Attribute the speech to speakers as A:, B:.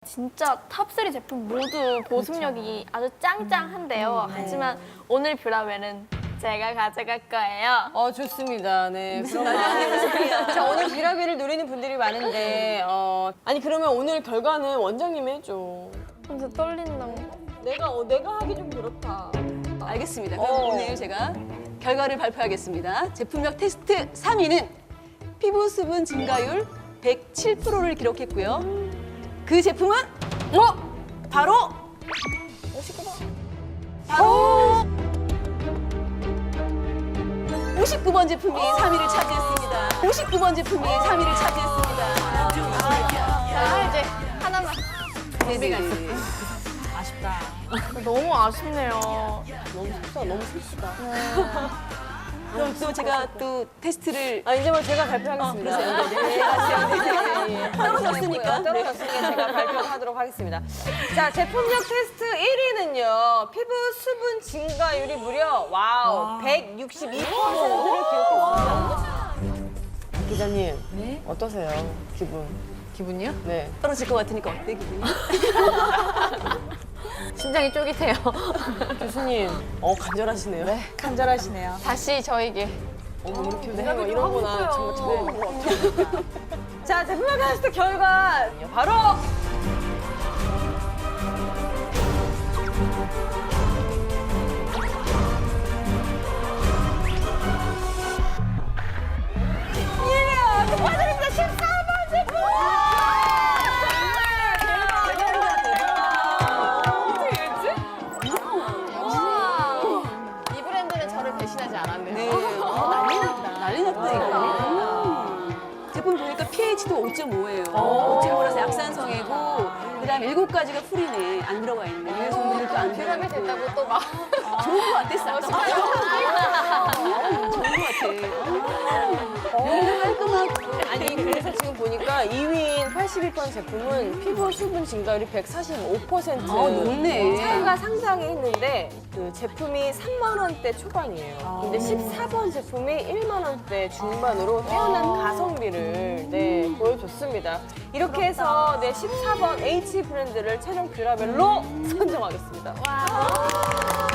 A: 진짜 탑3 제품 모두 보습력이 아주 짱짱한데요. 하지만 오늘 뷰라웰은 제가 가져갈 거예요.
B: 좋습니다. 네. 자, 오늘 뷰라벨을 노리는 분들이 많은데, 아니, 그러면 오늘 결과는 원장님이 해줘.
A: 진짜 떨린다.
B: 내가 하기 좀 그렇다.
C: 알겠습니다. 그럼 오늘 제가 결과를 발표하겠습니다. 제품력 테스트 3위는 피부 수분 증가율 107%를 기록했고요. 그 제품은 바로 59번 제품이 3위를 차지했습니다. 59번 제품이 3위를 차지했습니다.
A: 자, 이제 하나만.
C: 네네.
A: 너무 아쉽네요.
B: 너무 슬프다.
C: 그럼 또 제가 또 테스트를
B: 이제 뭐 제가 발표하겠습니다.
C: 떨어졌으니까.
B: 떨어졌으니까 제가 발표하도록 하겠습니다. 자, 제품력 테스트 1위는요. 피부 수분 증가율이 무려 162%를 기록했습니다. 기자님,
C: 네?
B: 어떠세요?
C: 기분이요?
B: 네.
C: 떨어질 것 같으니까 어때 기분이?
A: 심장이 쫄깃해요.
B: 교수님, 간절하시네요. 네.
D: 간절하시네요.
A: 다시 저에게.
B: 이렇게 이런 거나 정말 처음 본 것 같아요. 자, 제품력 테스트 결과 바로
A: 이 브랜드는 저를 배신하지 않았네요.
C: 네. 난리 났다 이거. 제품 보니까 pH도 5.5예요. 5.5라서 약산성이고 그다음 7가지가 풀이네. 안 들어가 있네. 그래서 오늘도 안
A: 뷰라벨
C: 들어가
A: 됐다고 또 막.
C: 좋은 거 같았어. 아까. 좋은 거 같아. 깔끔하고.
B: 아니 그래서 지금 보니까 2위인 82번 제품은 피부 수분 증가율이 145%
C: 높네.
B: 차이가 상당히 있는데 그 제품이 3만 원대 초반이에요. 근데 14번 제품이 1만 원대 중반으로 뛰어난 가성비를 보여줬습니다. 이렇게 해서 14번 H 브랜드를 최종 뷰라벨로 선정하겠습니다.